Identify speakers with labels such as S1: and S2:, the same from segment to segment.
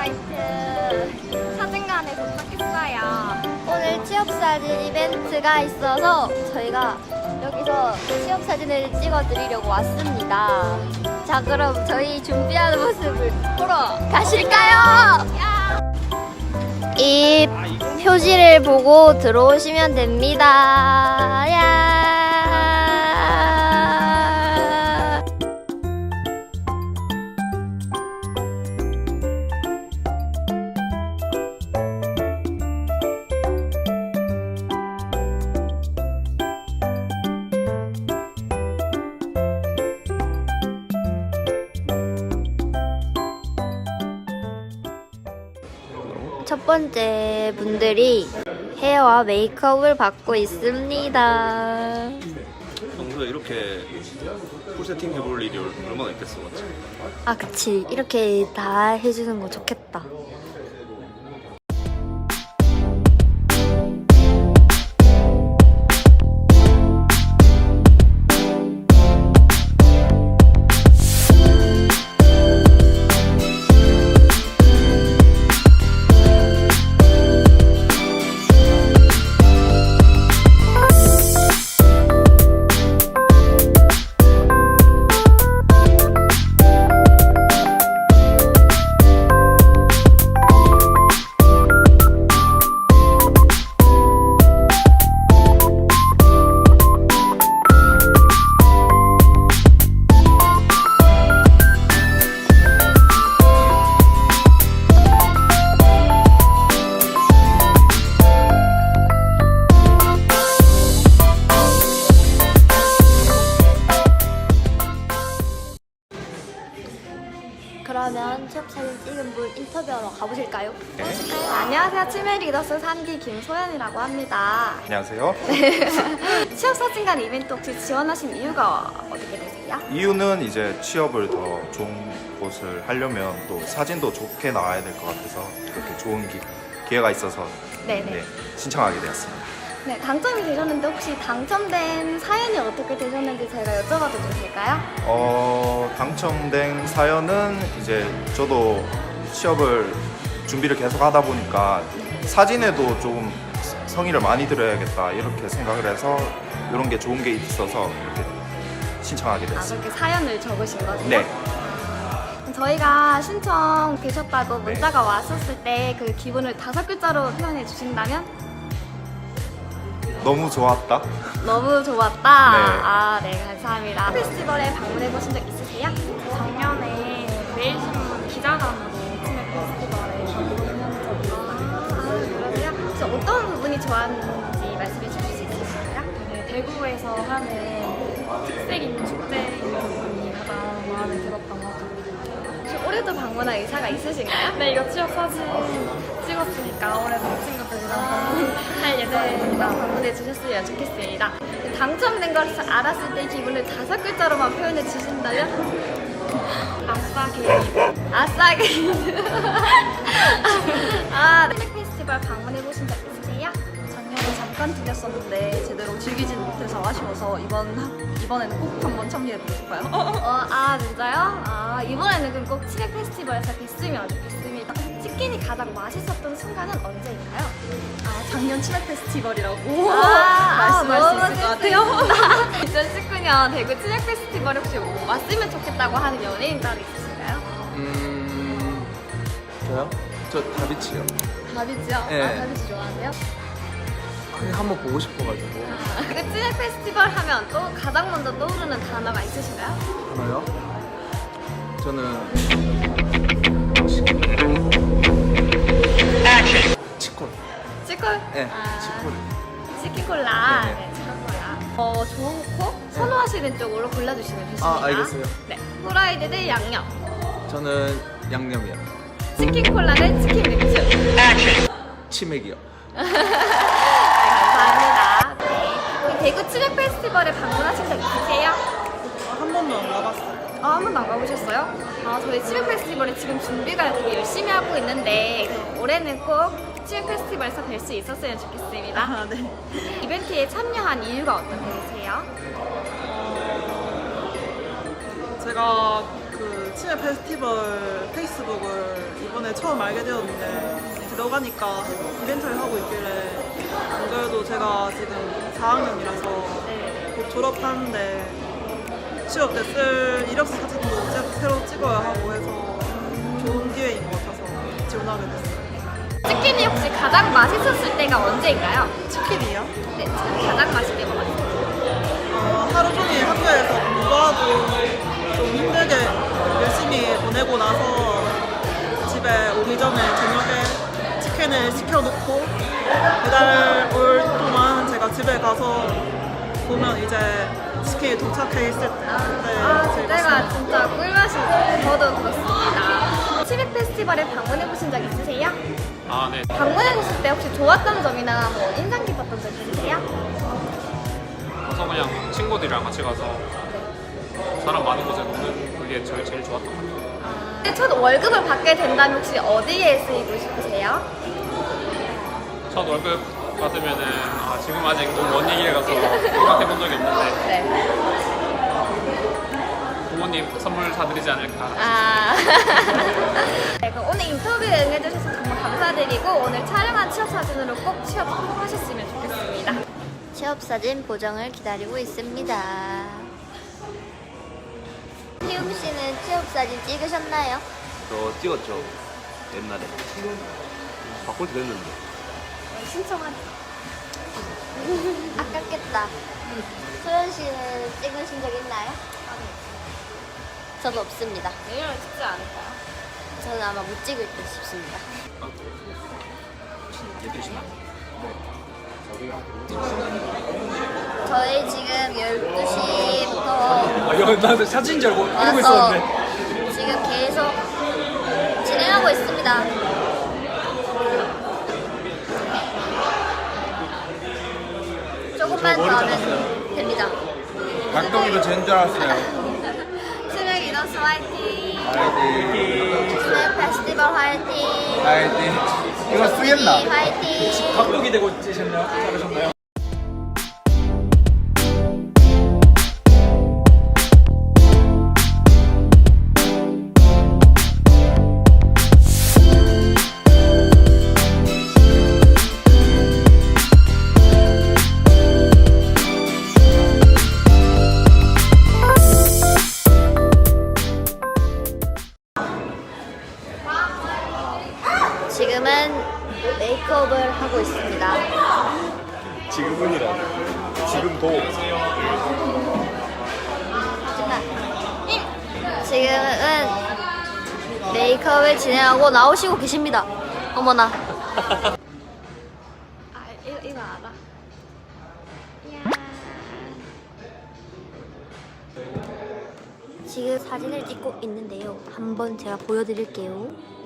S1: 브라이트 사진관에 도착했어요. 오늘 취업사진 이벤트가 있어서 저희가 여기서 취업사진을 찍어드리려고 왔습니다. 자, 그럼 저희 준비하는 모습을 보러 가실까요? 이 표지를 보고 들어오시면 됩니다. 야. 첫 번째 분들이 헤어와 메이크업을 받고 있습니다.
S2: 평소에 이렇게 풀세팅 해볼 일이 얼마나 있겠어, 맞지?
S1: 아, 그치. 이렇게 다 해주는 거 좋겠다. 그러면 취업사진 찍은 분 인터뷰하러 가보실까요?
S2: 네.
S1: 안녕하세요. 치매 리더스 3기 김소연이라고 합니다.
S2: 안녕하세요.
S1: 취업사진관 이벤트 혹시 지원하신 이유가 어떻게 되세요?
S2: 이유는 이제 취업을 더 좋은 곳을 하려면 또 사진도 좋게 나와야 될 것 같아서 이렇게 좋은 기회가 있어서
S1: 네네.
S2: 신청하게 되었습니다.
S1: 네, 당첨이 되셨는데 혹시 당첨된 사연이 어떻게 되셨는지 제가 여쭤봐도 좀 될까요?
S2: 당첨된 사연은 이제 저도 취업을 준비를 계속 하다 보니까 사진에도 조금 성의를 많이 들여야겠다 이렇게 생각을 해서 이런 게 좋은 게 있어서 이렇게 신청하게
S1: 아,
S2: 됐습니다.
S1: 그렇게 사연을 적으신 거죠?
S2: 네.
S1: 저희가 신청 되셨다고 문자가 왔었을 때 그 기분을 5글자로 표현해 주신다면?
S2: 너무 좋았다.
S1: 너무 좋았다.
S2: 네.
S1: 아, 네, 감사합니다. 페스티벌에 방문해 보신 적 있으세요?
S3: 작년에 매일신문 기자단으로 치맥 페스티벌에 방문한 적이 있어요.
S1: 그러세요? 혹시 어떤 부분이 좋았는지 말씀해 주실 수 있으실까요?
S3: 네, 대구에서 하는 특색 있는 축제인 부분이 가장 마음에 들었던 것 같아요.
S1: 혹시 올해도 방문할 의사가 있으신가요?
S3: 네, 이거 취업 사진 찍었으니까 올해도 친구들이랑 방문할 예정입니다.
S1: 방문해 주셨으면 좋겠습니다. 당첨된 걸 알았을 때 기분을 5글자로만 표현해 주신다면?
S3: 아싸 개인.
S1: 아싸 게이드. 아, 치맥 페스티벌 방문해 보신 적 있으세요?
S4: 작년에 잠깐 들렸었는데 제대로 즐기진 못해서 아쉬워서 이번에는 꼭 한번 참여해보고 싶어요.
S1: 아, 진짜요? 아, 이번에는 그럼 꼭 치맥 페스티벌에서 뵀으면 좋겠습니다. 치킨이 가장 맛있었던 순간은 언제인가요?
S4: 작년 치맥 페스티벌이라고
S1: 아,
S4: 말씀할 수 있을 것 같아요.
S1: 2019년 대구 치맥 페스티벌에 혹시 왔으면 좋겠다고 하는 연예인 따로 있으신가요?
S5: 저요? 저 다비치요.
S1: 다비치요?
S5: 네.
S1: 아, 다비치 좋아하세요?
S5: 그냥 한번 보고 싶어가지고.
S1: 그 치맥 페스티벌 하면 또 가장 먼저 떠오르는 단어가 있으신가요?
S5: 하나요? 저는 치콜.
S1: 치콜?
S5: 네,
S1: 아,
S5: 치콜.
S1: 치킨콜라.
S5: 네네.
S1: 네, 치킨콜라. 좋은 코? 선호하시는 쪽으로 골라주시면 되십니다.
S5: 아, 알겠어요.
S1: 네. 후라이드 대 양념.
S5: 저는 양념이요.
S1: 치킨콜라 대 치킨 맥주.
S5: 치맥이요.
S1: 네, 감사합니다. 네. 대구 치맥 페스티벌에 방문하신 적 있으세요?
S4: 한 번도 안 가봤어요.
S1: 아, 한 번도 안 가보셨어요? 아, 저희 치맥 페스티벌에 지금 준비가 되게 열심히 하고 있는데 올해는 꼭 치맥 페스티벌에서 뵐 수 있었으면 좋겠습니다.
S4: 네.
S1: 이벤트에 참여한 이유가 어떻게 되세요?
S6: 제가 그 치매 페스티벌 페이스북을 이번에 처음 알게 되었는데 들어가니까 이벤트를 하고 있길래 안 그래도 제가 지금 4학년이라서 곧 졸업하는데 취업 때 쓸 이력서 사진도 새로 찍어야 하고 해서 좋은 기회인 것 같아서 지원하게 됐어요.
S1: 치킨이 혹시 가장 맛있었을 때가 언제인가요?
S6: 치킨이요?
S1: 네, 가장 맛있게 먹었어요.
S6: 하루 종일 학교에서 공부하고 좀 힘들게 열심히 보내고 나서 집에 오기 전에 저녁에 치킨을 시켜놓고 배달 올 동안 제가 집에 가서 보면 이제 치킨이 도착해 있을 때 그때 제일
S1: 그때가
S6: 맛있는
S1: 진짜 꿀맛이죠. 저도 그렇습니다. 치맥 페스티벌에 방문해 보신 적 있으세요?
S7: 아, 네.
S1: 방문해 보실 때 혹시 좋았던 점이나 뭐 인상 깊었던 점 있으세요?
S7: 가서 그냥 친구들이랑 같이 가서 사람 많은 곳에 노는 그게 제일 좋았던 것 같아요.
S1: 근데 첫 월급을 받게 된다면 혹시 어디에 쓰이고 싶으세요?
S7: 첫 월급 받으면은 지금 아직 너무 먼 얘기를 가서 생각해 본 적이 없는데
S1: 네.
S7: 부모님 선물 사드리지 않을까.
S1: 네, 그럼 오늘 인터뷰에 응해주셔서 정말 감사드리고 오늘 촬영한 취업 사진으로 꼭 취업 성공하셨으면 좋겠습니다.
S8: 취업사진 보정을 기다리고 있습니다. 희웅 씨는 취업사진 찍으셨나요?
S9: 저 찍었죠. 옛날에. 바꿀 때 됐는데.
S1: 신청한
S8: 아깝겠다. 소연 씨는 찍으신 적 있나요? 저도 없습니다.
S1: 내일은 찍지 않을까요?
S8: 저는 아마 못 찍을 듯 싶습니다. 저희 지금 12시부터
S5: 나 사진인 줄 알고
S8: 와서 지금 계속 진행하고 있습니다. 조금만 더 하면 됩니다.
S5: 박동이도 젠 줄 알았어요.
S1: 치맥 이너스 화이팅!
S5: 화이팅.
S8: 치맥 페스티벌 화이팅!
S5: 화이팅. 이거 쓰겠나?
S8: 화이팅!
S5: 박동이 되고 찍으셨나요? 잘하셨나요?
S8: 지금은 메이크업을 하고 있습니다.
S2: 지금은이라. 지금도.
S8: 지금은 메이크업을 진행하고 나오시고 계십니다. 어머나.
S1: 이거 알아.
S8: 지금 사진을 찍고 있는데요. 한번 제가 보여드릴게요.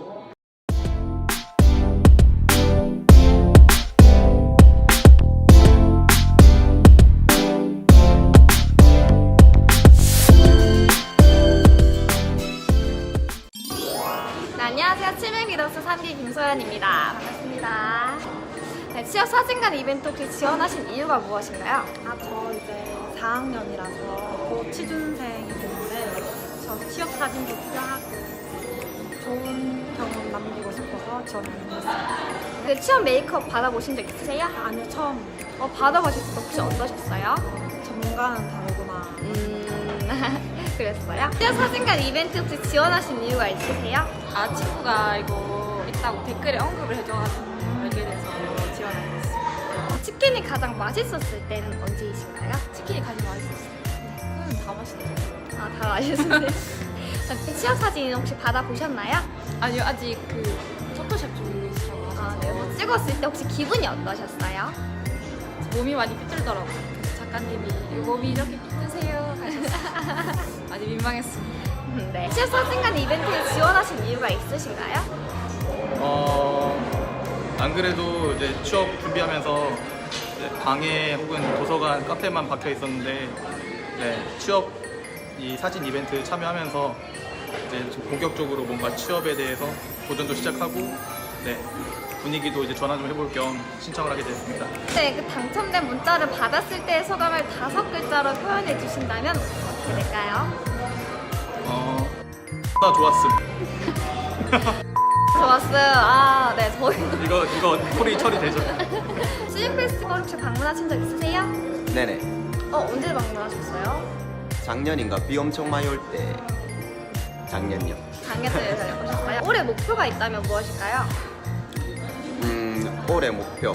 S1: 네, 안녕하세요. 치맥 리더스 3기 김소연입니다. 반갑습니다. 네, 취업 사진관 이벤트 혹시 지원하신 이유가 무엇인가요?
S3: 저 이제 4학년이라서 곧 취준생이 되는데 저 취업 사진도 필요하고 좋은 경험 남기고 싶어서 지원했습니다.
S1: 그 취업 메이크업 받아보신 적 있으세요?
S3: 아니요, 처음.
S1: 받아보셨을 때 혹시 어떠셨어요?
S3: 전문가는 다르구나.
S1: 그랬어요? 취업 사진관 이벤트 혹시 지원하신 이유가 있으세요?
S3: 친구가 이거 있다고 댓글에 언급을 해줘가지고 알게 돼서 지원하게 됐어요.
S1: 치킨이 가장 맛있었을 때는 언제이신가요?
S3: 치킨이 가장 맛있었어요. 다 맛있었어요.
S1: 다 맛있는데. 취업 사진 혹시 받아보셨나요?
S3: 아니요, 아직 그 포토샵 중에 있어서
S1: 네, 뭐 찍었을 때 혹시 기분이 어떠셨어요?
S3: 몸이 많이 삐뚤더라고요. 그래서 작가님이 이 몸이 이렇게 삐뚤세요 하셔서 많이 민망했습니다.
S1: 네. 취업 사진관 이벤트에 지원하신 이유가 있으신가요?
S10: 안 그래도 이제 취업 준비하면서 이제 방에 혹은 도서관, 카페만 박혀 있었는데 취업 이 사진 이벤트 참여하면서 이제 좀 본격적으로 뭔가 취업에 대해서 도전도 시작하고 분위기도 이제 전환 좀 해볼 겸 신청을 하게 됐습니다.
S1: 네, 그 당첨된 문자를 받았을 때의 소감을 5글자로 표현해 주신다면 어떻게 될까요?
S10: 나 좋았음.
S1: 좋았어요. 아, 네, 저희도
S10: 이거 콜이 처리되죠?
S1: 찌읒 페스티벌 혹시 방문하신 적 있으세요?
S11: 네네.
S1: 언제 방문하셨어요?
S11: 작년인가 비 엄청 많이 올 때. 작년요.
S1: 작년에 오셨어요? 올해 목표가 있다면 무엇일까요?
S11: 올해 목표.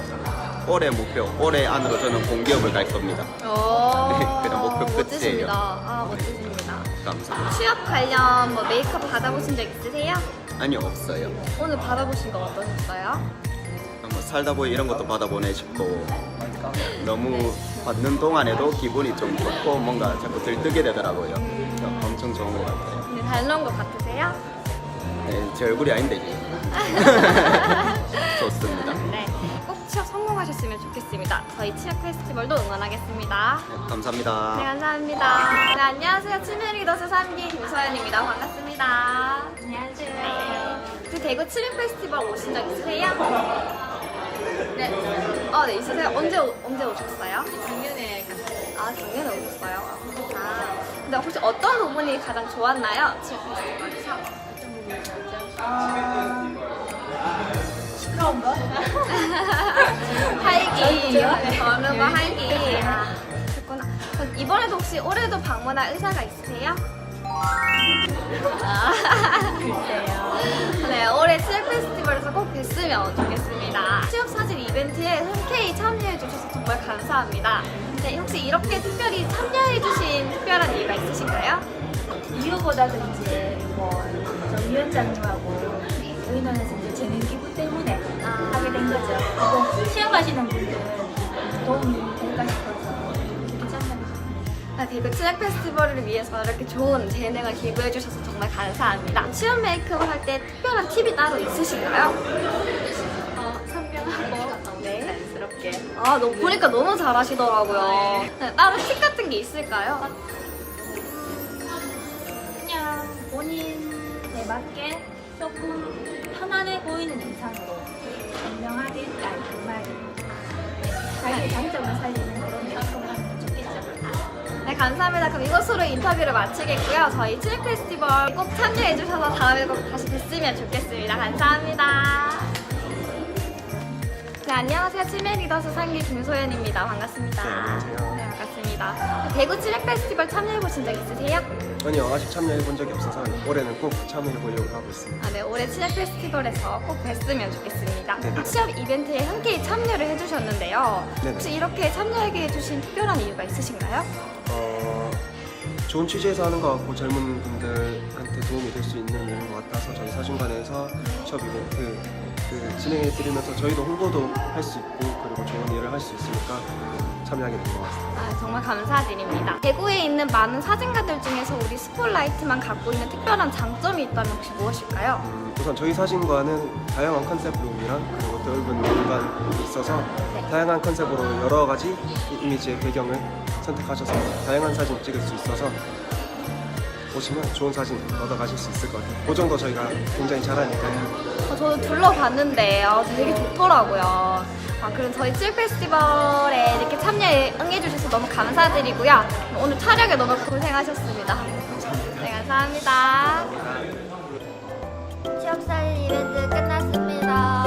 S11: 올해 안으로 저는 공기업을 갈 겁니다.
S1: 오,
S11: 그냥 목표 끝이에요.
S1: 멋지십니다. 아, 멋지십니다.
S11: 감사합니다.
S1: 취업 관련 뭐 메이크업 받아보신 적 있으세요?
S11: 아니요, 없어요.
S1: 오늘 받아보신 거 어떠셨어요?
S11: 뭐 살다 보니 이런 것도 받아보내 싶고 너무 받는 동안에도 기분이 좀 좋고 뭔가 자꾸 들뜨게 되더라고요. 엄청 좋은 것 같아요.
S1: 근데 잘 나온 것 같으세요?
S11: 네, 제 얼굴이 아닌데 이게. 좋습니다.
S1: 네. 꼭 취업 성공하셨으면 좋겠습니다. 저희 취업 페스티벌도 응원하겠습니다.
S11: 네, 감사합니다.
S1: 네, 감사합니다. 네, 안녕하세요. 치매 리더스 3기 김소연입니다. 반갑습니다. 안녕하세요. 네. 그 대구 치매 페스티벌 오신 적 있으세요? 네. 네, 있으세요? 언제 오셨어요?
S3: 작년에
S1: 아, 작년에 오셨어요? 아, 근데 혹시 어떤 부분이 가장 좋았나요? 치매 페스티벌에서?
S3: 시끄러운 거?
S1: 활기, 젊은 거 활기. 아, 그렇구나. 그럼 이번에도 혹시 올해도 방문할 의사가 있으세요? 글쎄요. 네, 올해 취업 페스티벌에서 꼭 뵀으면 좋겠습니다. 취업 사진 이벤트에 흔쾌히 참여해주셔서 정말 감사합니다. 네, 혹시 이렇게 특별히 참여해주신 특별한 이유가 있으신가요?
S3: 이유보다도 이제 정 위원장님하고 의논해서 이제 재능 기부 때문에 하게 된 거죠. 그리고 시험하시는 분들은 도움이 될까 싶어서 괜찮습니다.
S1: 대구 취업 페스티벌을 위해서 이렇게 좋은 재능을 기부해주셔서 정말 감사합니다. 취업 메이크업 할 때 특별한 팁이 따로 있으신가요?
S3: 선명하고
S1: 네.
S3: 자연스럽게.
S1: 아, 보니까 너무 잘하시더라고요. 네, 따로 팁 같은 게 있을까요?
S3: 그냥 본인에 맞게 조금 편안해 보이는 의상으로 선명하게 깔끔하게 자기의 장점을 살리는 그런 메이크업을 하면 좋겠죠.
S1: 네, 감사합니다. 그럼 이것으로 인터뷰를 마치겠고요. 저희 취업 페스티벌 꼭 참여해주셔서 다음에 꼭 다시 뵀으면 좋겠습니다. 감사합니다. 네, 안녕하세요. 치매 리더스 3기 김소연입니다. 반갑습니다.
S5: 네, 안녕하세요.
S1: 네, 반갑습니다. 대구 취업 페스티벌 참여해보신 적 있으세요?
S5: 아니요, 아직 참여해본 적이 없어서 올해는 꼭 참여해보려고 하고 있습니다.
S1: 네, 올해 취업 페스티벌에서 꼭 뵀으면 좋겠습니다.
S5: 네네.
S1: 취업 이벤트에 흔쾌히 참여를 해주셨는데요.
S5: 네네.
S1: 혹시 이렇게 참여하게 해주신 특별한 이유가 있으신가요?
S5: 좋은 취지에서 하는 것 같고 젊은 분들한테 도움이 될 수 있는 일인 것 같아서 저희 사진관에서 취업 이벤트 진행해드리면서 저희도 홍보도 할 수 있고 그리고 좋은 일을 할 수 있으니까 참여하게 된 것 같습니다.
S1: 아, 정말 감사드립니다. 대구에 있는 많은 사진가들 중에서 우리 스폴라이트만 갖고 있는 특별한 장점이 있다면 혹시 무엇일까요?
S5: 우선 저희 사진관은 다양한 컨셉룸이랑 그리고 넓은 공간이 있어서
S1: 네.
S5: 다양한 컨셉으로 여러 가지 이미지의 배경을 선택하셔서 다양한 사진 찍을 수 있어서 보시면 좋은 사진 얻어가실 수 있을 것 같아요. 그 정도 저희가 굉장히 잘하니까요.
S1: 저도 둘러봤는데 되게 좋더라고요. 그럼 저희 취업 페스티벌에 이렇게 참여에 응해주셔서 너무 감사드리고요. 오늘 촬영에 너무 고생하셨습니다. 네, 감사합니다.
S8: 취업사진 이벤트 끝났습니다.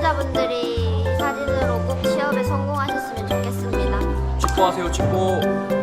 S8: 당첨자분들이 사진으로 꼭 취업에 성공하셨으면 좋겠습니다.
S9: 축구하세요, 축구.